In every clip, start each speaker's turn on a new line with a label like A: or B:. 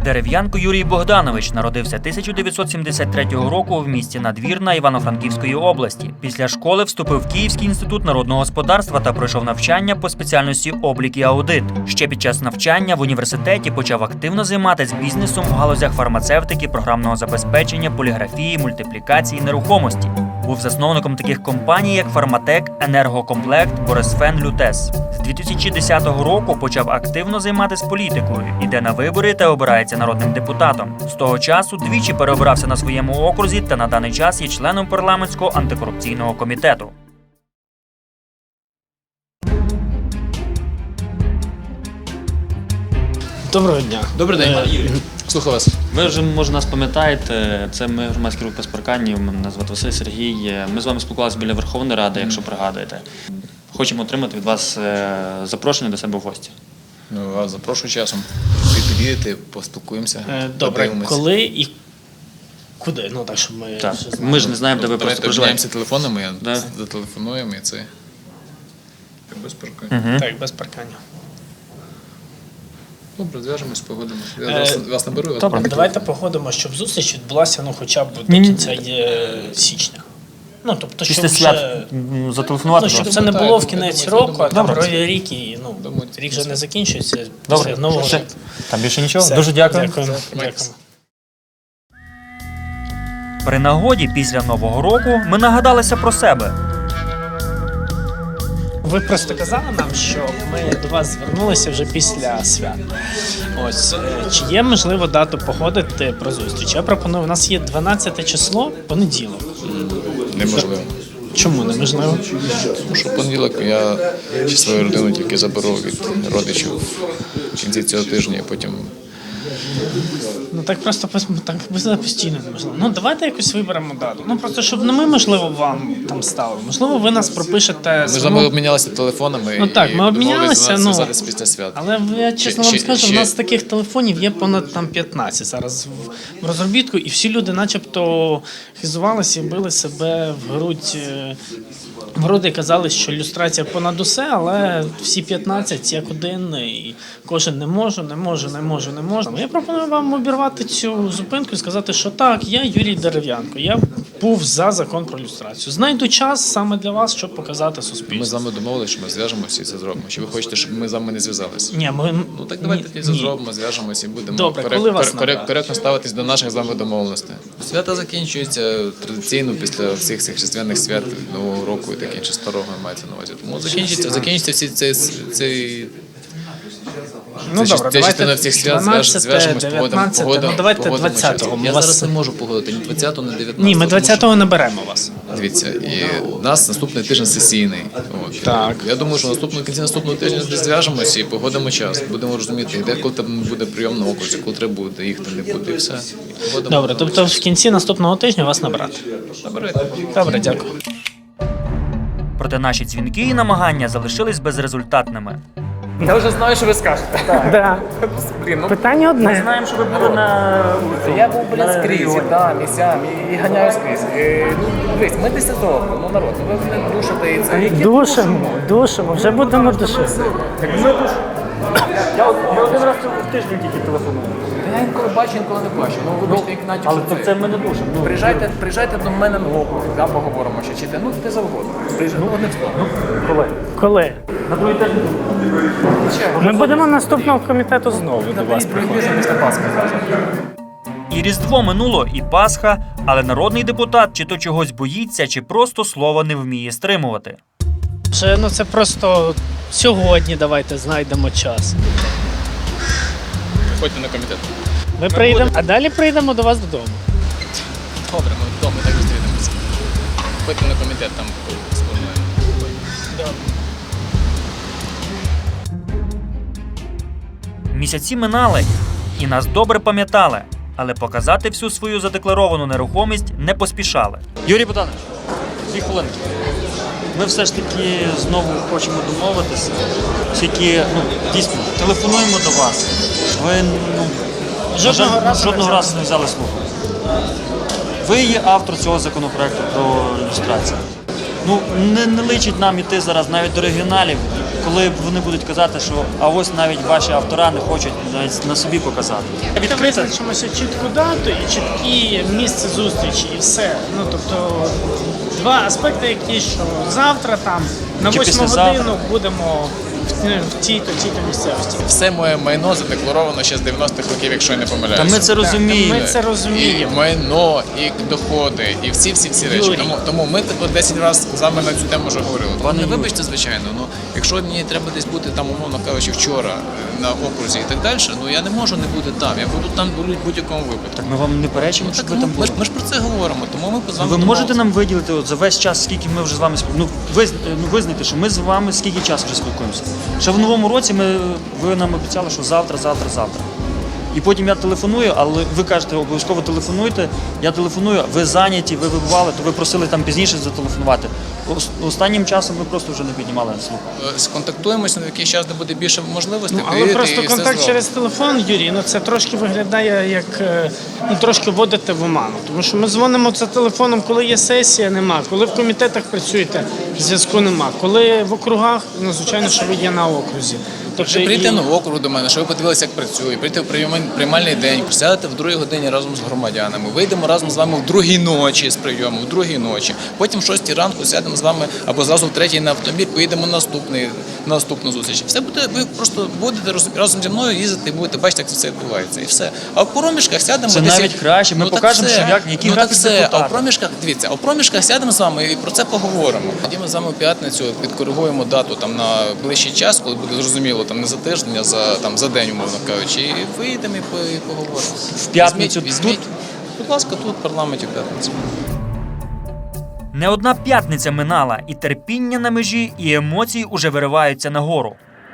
A: Дерев'янко Юрій Богданович народився 1973 року в місті Надвірна Івано-Франківської області. Після школи вступив в Київський інститут народного господарства та пройшов навчання по спеціальності облік і аудит. Ще під час навчання в університеті почав активно займатися бізнесом в галузях фармацевтики, програмного забезпечення, поліграфії, мультиплікації, нерухомості. Був засновником таких компаній, як Фарматек, Енергокомплект, Борисфен, Лютес. З 2010 року почав активно займатися політикою, іде на вибори та обирається народним депутатом. З того часу двічі переобрався на своєму окрузі та на даний час є членом парламентського антикорупційного комітету.
B: Доброго дня.
C: Добрий день, Юрій. Слухаю вас.
D: Ви вже, може, нас пам'ятаєте, це ми громадський рух без парканів, мене звати Василь Сергій. Ми з вами спілкувалися біля Верховної Ради, якщо пригадуєте. Хочемо отримати від вас запрошення до себе в гості.
C: Ну, вас запрошую часом. Ви підійдете, поспілкуємося.
B: Добре,
C: подивимось.
B: коли і куди? Ну так, щоб ми
D: Так.
B: ще знали.
D: Ми ж не знаємо, де ви просто
C: Давайте обміняємося
D: проживаєте.
C: телефонами,
D: Да.
C: зателефонуємо і це. Без паркання.
B: Так, без паркання.
C: Добре, зв'яжемось, погодимось. Я вас наберу. Вас
B: Добре,
C: наберу.
B: давайте погодимо, щоб зустріч відбулася хоча б до кінця січня. Ну, тобто, щоб
A: Після свят
B: вже...
A: зателефонувати.
B: Ну, щоб
A: просто.
B: це не було в кінець року, а там
A: Добре.
B: новий рік, і рік вже не закінчується
A: Добре.
B: після нового
A: Все.
B: року.
A: Там більше нічого.
B: Все.
A: Дуже дякую.
B: Дякуємо.
C: Тримайтеся.
A: При нагоді після Нового року ми нагадалися про себе.
B: Ви просто казали нам, що ми до вас звернулися вже після свят. Ось, чи є можливо дату походити про зустріч? Я пропоную, у нас є 12 число, понеділок.
C: Неможливо.
B: Чому неможливо?
C: Тому що в понеділок я ще свою родину тільки заберу від родичів в кінці цього тижня, а потім
B: Ну так просто так постійно неможливо. Ну давайте якось виберемо дату. Ну просто щоб не ми, можливо, вам там ставили. Можливо, ви нас пропишете.
C: ми з вами обмінялися телефонами.
B: Ну так, ми обмінялися,
C: і
B: ну,
C: зв'язатися після свят.
B: Але я чесно вам скажу, у нас таких телефонів є понад там 15 зараз в розробітку, і всі люди начебто хизувалися і били себе в грудь. В груди казали, що люстрація понад усе, але всі 15 як один, і кожен не може. Я пропоную вам обірвати цю зупинку і сказати, що так, я Юрій Дерев'янко, я був за закон про люстрацію. Знайду час саме для вас, щоб показати
C: Ми з
B: суспільству.
C: вами домовилися, що ми зв'яжемося і це зробимо. Чи ви хочете, щоб ми з вами не зв'язалися?
B: Ні, ми...
C: Ну так давайте тоді зробимо, зв'яжемося і будемо
B: Добре, коли вас набрати?
C: коректно ставитись до наших з вами домовленостей. Свята закінчуються традиційно після всіх цих різдвяних свят, Нового року і таке інше старого мається на увазі. Тому закінчиться всі цей
B: Ну
C: це
B: добре,
C: частина всіх свят,
B: 12,
C: зв'яжемось,
B: 19,
C: погодимо.
B: ну давайте 20-го.
C: Я
B: Ми вас-
C: зараз не можу погодити, ні 20-го, ні 19-го.
B: Ні, ми
C: тому що-
B: 20-го не беремо вас.
C: Дивіться, і у нас наступний тиждень сесійний. От.
B: Так.
C: Я думаю, що в кінці наступного тижня десь зв'яжемося і погодимо час. Будемо розуміти, де коли там буде прийом на окрузі, коли треба буде їхати, не буде, і все. І погодимо.
B: Добре, тобто в кінці наступного тижня вас набрати. Добре, дякую.
A: Проте наші дзвінки і намагання залишились безрезультатними.
E: Я вже знаю, що ви скажете.
B: Да.
E: Блін, ну
B: Питання одне.
A: Знаємо, що ви були на
E: я був, блін, скрізь, да, місцям, і ганяю скрізь. Ну, дивись, ми 10 років, ну народ, ну ви мене душите і це.
B: Душимо, вже будемо душити.
A: Я один раз в тиждень тільки телефоную.
E: Я інколи бачу, інколи не бачу. Ну, вибачте, як натяк,
A: Але
E: що
A: це ми не душимо. Ну,
E: Приїжджайте до мене на округ, да, поговоримо ще, чи те, ну де завгодно. Ну, одним словом.
B: Коли?
A: на другий тиждень.
B: Ми будемо наступного комітету знову до вас приходити.
E: Після Пасхи зразу.
A: І Різдво минуло, і Пасха, але народний депутат чи то чогось боїться, чи просто слова не вміє стримувати.
B: Ну це просто сьогодні давайте знайдемо час.
C: Приходьте на комітет.
B: Ми прийдемо, а далі прийдемо до вас додому.
C: Добре, ми вдома так зустрінемося. Приходьте на комітет, там сформуємо.
A: Місяці минали, і нас добре пам'ятали, але показати всю свою задекларовану нерухомість не поспішали.
D: Юрій Богданович, 2 хвилинки. Ми все ж таки знову хочемо домовитися, оскільки дійсно телефонуємо до вас. Ви жодного разу не взяли слуху. Ви є автор цього законопроекту про люстрацію. Не личить нам іти зараз навіть до регіоналів, коли вони будуть казати, що а ось навіть ваші автора не хочуть навіть на собі показати. Відкрито.
B: Визначимося чітку дату і чіткі місце зустрічі, і все. Ну, тобто, два аспекти, які, що завтра там на
D: Чи
B: 8
D: післязавтра.
B: годину будемо в тій-то місцевості.
C: Все моє майно задекларовано ще з 90-х років, якщо я не
D: Та
C: помиляюся.
D: ми це розуміємо.
B: Ми це розуміємо.
C: І майно, і доходи, і всі речі.
B: Юрій.
C: Тому ми тут 10 разів з вами на цю тему вже говорили.
D: Пане
C: Не
D: Юрій.
C: вибачте, звичайно, якщо мені треба десь бути там, умовно кажучи, вчора на окрузі і так далі, я не можу не бути там. Я буду там в будь-якому випадку.
D: Ми вам не перечимо, щоб ви там були.
C: Ми ж про це говоримо, тому ми з вами
D: Ви можете
C: домовилися.
D: нам виділити от за весь час, скільки ми вже з вами спілкуємося? Визнайте, що ми з вами скільки часу вже спілкуємося. Ще в новому році ви нам обіцяли, що завтра. І потім я телефоную, але ви кажете, обов'язково телефонуйте. Я телефоную, ви зайняті, ви вибували, то ви просили там пізніше зателефонувати. Останнім часом ви просто вже не піднімали слух.
C: Сконтактуємося, на якийсь час, де буде більше можливостей.
B: Але
C: приїдете
B: просто
C: і все
B: контакт
C: зробимо.
B: через телефон, Юрій, це трошки виглядає як трошки вводити в оману. Тому що ми дзвонимо за телефоном, коли є сесія, нема. Коли в комітетах працюєте, зв'язку нема. Коли в округах, звичайно, що ви є на окрузі. Тобто,
C: Чи прийти на округ до мене, щоб ви подивилися, як працює, прийти в приймальний день, присядете в 2 годині разом з громадянами, вийдемо разом з вами в 2 ночі з прийому, в 2 ночі. Потім в 6 ранку сядемо з вами або зразу в 3 на автомобіль, поїдемо на наступну зустріч. Все буде, ви просто будете разом зі мною їздити і будете бачити, як це все відбувається. І все. А в проміжках сядемо.
D: Це
C: десь-
D: навіть краще. Ми
C: так
D: покажемо,
C: все.
D: що який
C: так
D: графік
C: все.
D: депутата.
C: А в проміжках, дивіться, а в проміжках сядемо з вами і про це поговоримо. Тоді ми з вами в п'ятницю підкоригуємо дату там на ближчий час, коли буде зрозуміло, там не за тиждень, а за день, умовно кажучи, і виїдемо і поговоримо.
D: В п'ятницю
C: Візьміть, будь ласка, тут в парламенті в п'ятницю.
A: Не одна п'ятниця минала, і терпіння на межі, і емоції уже вириваються нагору.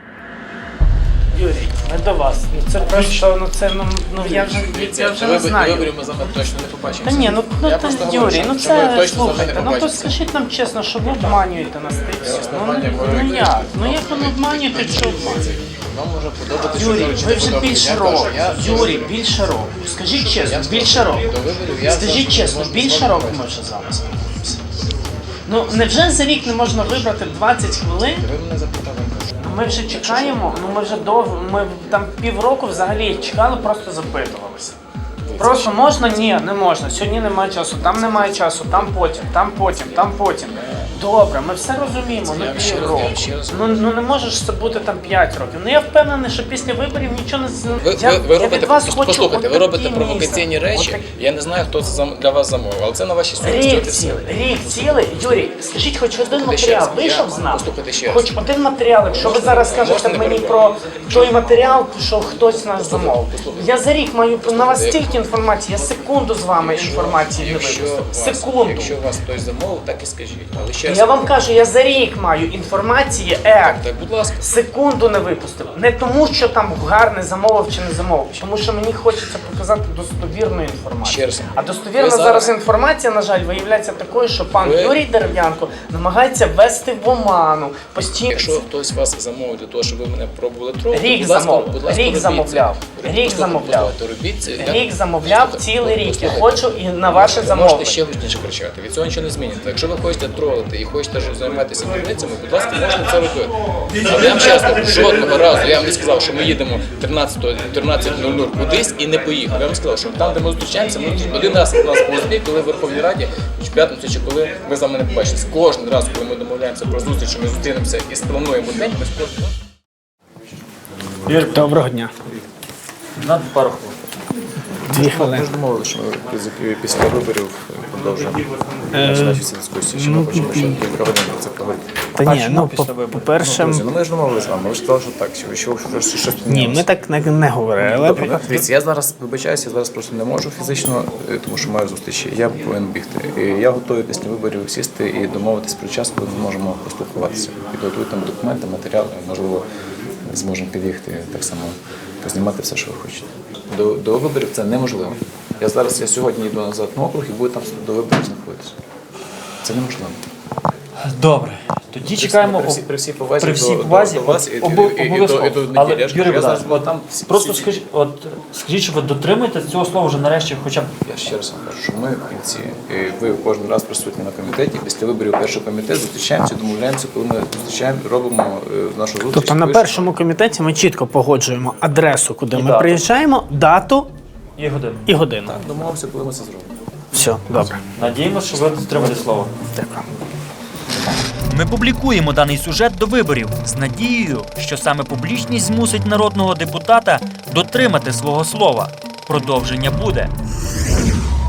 B: Юрій, ми до вас. Це просто, я вже не знаю.
C: Виборів ми з вами точно не побачимо.
B: Та ні,
C: Я просто говорю,
B: Юрій,
C: що ви
B: це
C: точно з вами
B: слухайте,
C: не
B: то
C: побачите.
B: скажіть нам чесно, що ви обманюєте нас тим.
C: обманюємо,
B: Ну як? Ну як ви не обманюєте, що обманюєте?
C: Вам може подобатися,
B: Юрій,
C: що
B: ви вже більше року. Юрій, більше року. Скажіть чесно, більше року. Скажіть чесно, більше року ми вже з вами спілкуємося. Ну, невже за рік не можна вибрати 20 хвилин?
C: Ви мене запитали.
B: Ми вже чекаємо, ми вже довго, ми там півроку взагалі чекали, просто запитувалися. Просто можна? Ні, не можна. Сьогодні немає часу, там немає часу, там потім. Добре, ми все розуміємо,
C: Я
B: ну
C: вам ще раз-
B: півроку.
C: я вам ще раз
B: Ну не можеш це бути там 5 років. Ну я впевнений, що після виборів нічого не
C: Ви робите, послухайте, ви робите
B: отакий
C: провокаційні
B: місяць.
C: речі. Я не знаю, хто це для вас замовив, але це на вашій совісті.
B: Рік цілий. Юрій, скажіть, хоч один матеріал
C: раз,
B: вийшов
C: я-
B: з нас?
C: послухайте ще раз.
B: Хоч один матеріал, якщо ви зараз скажете
C: Можна не
B: мені
C: перебивати?
B: про той матеріал, що хтось нас замовив. Я за рік маю на вас стільки інформації, я секунду з вами інформації не випустив. Секунду.
C: Якщо вас хтось замовив, так і скажіть. Але ще раз,
B: Я вам кажу, я за рік маю інформації,
C: так, будь ласка.
B: секунду не випустив. Не тому, що там гарний замовив чи не замовив, тому що мені хочеться показати достовірну
C: Ще
B: інформацію.
C: раз.
B: А достовірна
C: Ви
B: зараз
C: зараз-
B: інформація, на жаль, виявляється такою, що пан
C: Ви-
B: Юрій Дерев'янко намагається ввести в оману постійно.
C: Якщо хтось вас замовив для того, щоб ви мене пробували трохи,
B: Рік
C: будь ласка,
B: замовив.
C: будь ласка,
B: Рік
C: робіть
B: замовляв.
C: це.
B: Рік
C: Послухайте,
B: замовляв.
C: послухайте, робіть це.
B: Рік замовляв цілий рік. Я хочу і на ваше
C: Ви
B: замовлення.
C: можете ще гучніше кричати, від цього нічого не зміниться. Якщо ви хочете тролити і хочете займатися дурницями, будь ласка, можете це робити. Але я вам чесно, жодного разу я вам не сказав, що ми їдемо 13:00 кудись і не поїхали. Я вам сказав, що там, де ми зустрічаємося, ми один раз у нас був збій, коли в Верховній Раді, чи в п'ятницю, чи коли ми з вами не побачилися. Кожен раз, коли ми домовляємося про зустріч, що ми зустрінемося і сплануємо день, ми кожен.
B: Доброго дня.
D: На пару хвилин.
B: 2 хвилини.
C: Ми ж домовилися, що ми після виборів продовжуємо наші дискусії. Чи ми хочемо ще кілька годин про це поговорити?
B: Та ні, ну по-перше,
C: Ну ми ж домовилися з вами, ви ж сказали, що так, що щось
B: ні, ми так не говорили.
C: Добре, дивіться, я зараз вибачаюся, я зараз просто не можу фізично, тому що маю зустрічі. Я повинен бігти. І я готовий після виборів сісти і домовитись про час, коли ми зможемо поспілкуватися. Підготуйте там документи, матеріали, можливо, зможемо під'їхати так само, познімати все, що ви хочете. До виборів це неможливо. Я сьогодні йду назад на округ і буду там до виборів знаходитися. Це неможливо.
D: Добре. Тоді чекаємо
C: при всій повазі,
D: при всій повазі,
C: до вас і
D: обов'язково.
C: до
D: Але,
C: неділі.
D: Юрій
C: Я знаю,
D: Богданович,
C: бо там
D: просто скажіть, що ви дотримуєте цього слова вже нарешті хоча б.
C: Я ще раз вам кажу, що ми в кінці, ви кожен раз присутні на комітеті, після виборів першого комітету зустрічаємося, домовляємося, коли ми зустрічаємо, робимо нашу зустріч.
B: Тобто на
C: Ви-
B: першому комітеті ми чітко погоджуємо адресу, куди ми
D: дату.
B: приїжджаємо, дату
D: І годину.
B: і годину.
C: Так, домовимося, коли ми це зробимо.
B: Все, добре.
D: Надіємося, що ви дотримаєте слова.
B: Дякую.
A: Ми публікуємо даний сюжет до виборів з надією, що саме публічність змусить народного депутата дотримати свого слова. Продовження буде.